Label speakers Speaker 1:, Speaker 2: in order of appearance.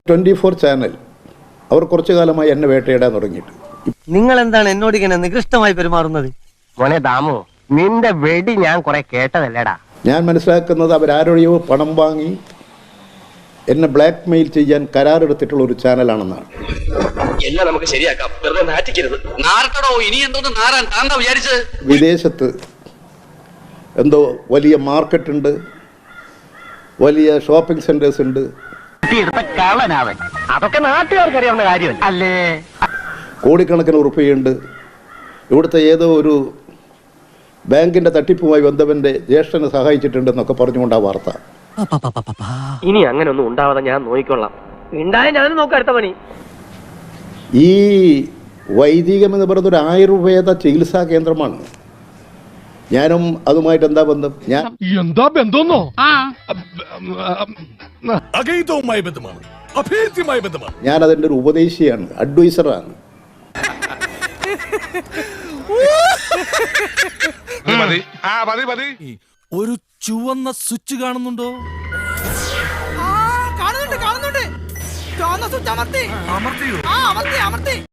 Speaker 1: 24 channel അവർ കുറച്ചു കാലമായി എന്നെ വേട്ടയിടാൻ തുടങ്ങിയിട്ട്.
Speaker 2: നിങ്ങൾ എന്താണ് എന്നോട് ഇങ്ങനെ നികൃഷ്ടമായി പെരുമാറുന്നത്?
Speaker 3: മോനെ ദാമു, നിന്റെ വെടി ഞാൻ കുറെ കേട്ടതല്ലേടാ.
Speaker 1: ഞാൻ മനസ്സിലാക്കുന്നത് അവരാരോടെയോ പണം വാങ്ങി എന്നെ ബ്ലാക്ക് മെയിൽ ചെയ്യാൻ കരാറെടുത്തിട്ടുള്ള ഒരു ചാനലാണെന്നാണ്.
Speaker 4: എല്ലാം നമുക്ക് ശരിയാക്കാം, വെറുതെ നാറ്റിക്കരുത്. നാറട്ടടോ, ഇനി എന്തോന്ന് നാറാൻ താന്താ വിചാരിച്ചത്?
Speaker 1: വിദേശത്ത് എന്തോ വലിയ മാർക്കറ്റുണ്ട്, വലിയ ഷോപ്പിംഗ് സെന്റേഴ്സ് ഉണ്ട്.
Speaker 3: കള്ളനാവൻ, അതൊക്കെ നാട്ടുകാർക്ക് അറിയാവുന്ന കാര്യമല്ല അല്ലേ?
Speaker 1: കോടിക്കണക്കിന് ഉറുപ്പികയുണ്ട്. ഇവിടുത്തെ ഏതോ ഒരു ബാങ്കിന്റെ തട്ടിപ്പുമായി ബന്ധവന്റെ ജ്യേഷ്ഠനെ സഹായിച്ചിട്ടുണ്ടെന്നൊക്കെ പറഞ്ഞുകൊണ്ട് ആ വാർത്ത.
Speaker 3: ഇനി അങ്ങനെ ഒന്നും ഉണ്ടാവാതെ ഞാൻ നോക്കിക്കൊള്ളാം. ഉണ്ടായ ഞാനും നോക്കാം അടുത്ത പണി.
Speaker 1: ഈ വൈദികം എന്ന് പറയുന്നത് ഒരു ആയുർവേദ ചികിത്സാ കേന്ദ്രമാണ്. ഞാനും അതുമായിട്ട് എന്താ ബന്ധം?
Speaker 5: എന്താ ബന്ധമെന്നോ? അഗൈതവുമായ ബന്ധമാണ്, അഭേദ്യമായ ബന്ധമാണ്.
Speaker 1: ഞാൻ അതിൻ്റെ ഒരു ഉപദേശിയാണ്, അഡ്വൈസറാണ്.
Speaker 5: ഒരു ചുവന്ന സ്വിച്ച് കാണുന്നുണ്ടോ?
Speaker 6: കാണുന്നുണ്ട്. ചുവന്ന സ്വിച്ച് അമർത്തി.
Speaker 5: അമർത്തിയോ?
Speaker 6: അമർത്തി.